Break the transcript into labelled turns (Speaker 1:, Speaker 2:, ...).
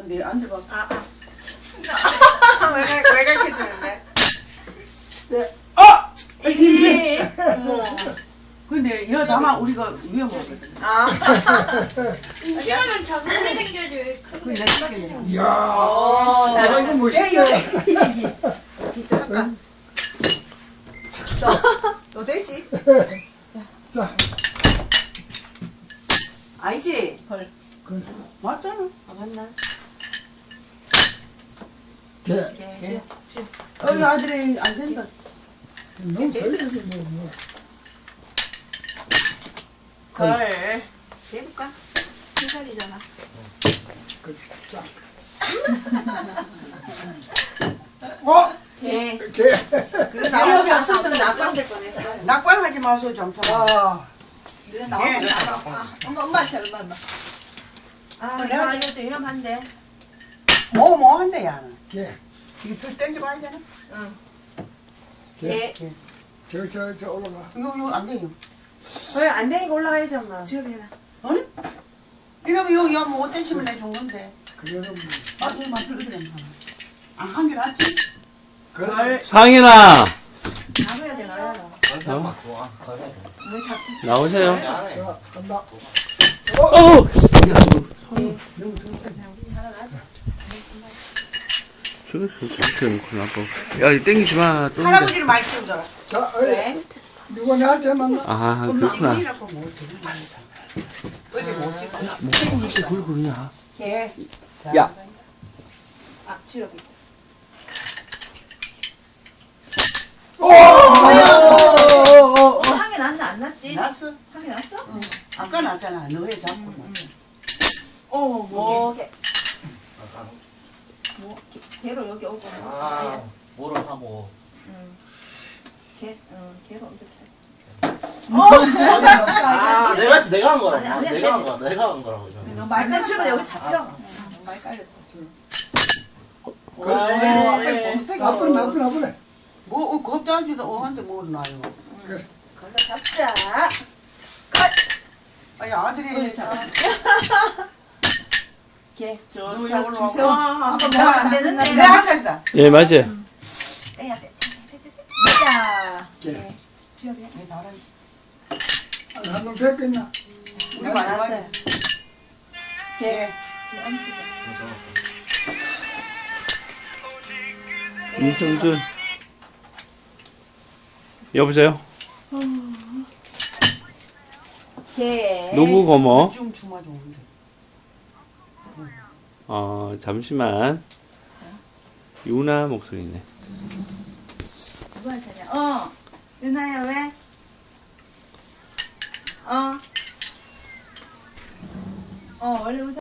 Speaker 1: 네, 앉아봐.
Speaker 2: 왜 가르쳐주는데?
Speaker 1: 네.
Speaker 2: 일지.
Speaker 1: 근데 여 다만 우리가 위험하거든.
Speaker 3: 임시로는 적응이 생겨야지 왜 큰
Speaker 1: 그
Speaker 3: 게
Speaker 1: 내가
Speaker 3: 똑같이 생겨.
Speaker 4: 이야, 이거 멋있다.
Speaker 2: 너 되지?
Speaker 4: 자,
Speaker 1: 아니지?
Speaker 2: 헐.
Speaker 1: 맞잖아.
Speaker 2: 아, 맞나?
Speaker 4: 개.
Speaker 2: 예.
Speaker 1: 이 아들이 안 된다.
Speaker 4: 너무 설레지, 뭐.
Speaker 2: 걸. 해볼까? 3살이잖아.
Speaker 4: 그, 자.
Speaker 2: 개.
Speaker 4: 개.
Speaker 2: 그래, 나오면 안 썼으면 낙방 될 뻔했어.
Speaker 1: 낙관하지 마소 좀 더.
Speaker 4: 아,
Speaker 2: 그래, 나오면 엄마한테 얼마.
Speaker 1: 내가
Speaker 2: 이것도 위험한데.
Speaker 1: 뭐 한대, 야는.
Speaker 4: 개.
Speaker 1: 이거 들 땡겨봐야 되나?
Speaker 2: 응.
Speaker 4: 개.
Speaker 1: 개.
Speaker 4: 저 올라가.
Speaker 1: 이거 안 돼요.
Speaker 2: 왜 안 되니까 올라가야지, 엄마. 지업해라.
Speaker 1: 응? 이러면 여기 뭐 5cm면 내준 건데.
Speaker 4: 그래도 뭐.
Speaker 1: 아, 이거 만들거든. 한 개 낫지?
Speaker 4: 걸.
Speaker 5: 상인아
Speaker 2: 나눠야 돼, 나눠야 돼. 왜 잡지?
Speaker 5: 나오세요.
Speaker 4: 자, 간다.
Speaker 5: 어우
Speaker 2: 하나 나지?
Speaker 5: 저거 큰일 났고. 야 이거 땡기지 마. 또 힘들어.
Speaker 1: 할아버지를 많이 키우더라.
Speaker 4: 자, 어이. 누가 나한테 만나?
Speaker 5: 아 그렇구나.
Speaker 1: 이라고 뭐 어떻게 어제 못 찍어.
Speaker 5: 뭐 이렇게 굴굴이냐.
Speaker 2: 개.
Speaker 5: 야
Speaker 2: 아, 지업이. 한개 났나, 안 났지?
Speaker 1: 났어?
Speaker 2: 한 개 났어?
Speaker 1: 응. 아까 났잖아. 너의 잡고.
Speaker 2: 뭐, 개. 뭐, 개로 여기 오고.
Speaker 6: 뭐를 하고
Speaker 2: 개, 개로 이렇게 하지.
Speaker 6: 내가 했어 내가 한 거라고
Speaker 2: 아니, 아니야,
Speaker 6: 내가 한 거야 내가 한 거라고 이거.
Speaker 2: 너 말까지 치면 여기 잡혀. 말 깔려.
Speaker 4: 나쁘네.
Speaker 1: 뭐, 겁자지도 한테 뭐 놔요.
Speaker 2: 걸로 잡자.
Speaker 1: 아니, 아들이.
Speaker 2: 개.
Speaker 1: 너
Speaker 2: 좋다.
Speaker 1: 여기로
Speaker 2: 주세요.
Speaker 1: 와봐.
Speaker 2: 한번 먹으면 안 되는데.
Speaker 1: 내 한차리다.
Speaker 5: 예 맞아요.
Speaker 2: 떼야 돼. 맞아.
Speaker 4: 개.
Speaker 2: 지업이야.
Speaker 1: 내 다른.
Speaker 4: 한놈 뵙겠나?
Speaker 1: 우리
Speaker 2: 알았어요.
Speaker 1: 마지막에.
Speaker 2: 개. 개 얹히자.
Speaker 5: 임성준 여보세요.
Speaker 2: 개.
Speaker 5: 누구 고모?
Speaker 1: 지금 주마 좋은데.
Speaker 5: 잠시만. 유나 목소리네.
Speaker 2: 누구한테냐? 유나야 왜? 원래 웃어.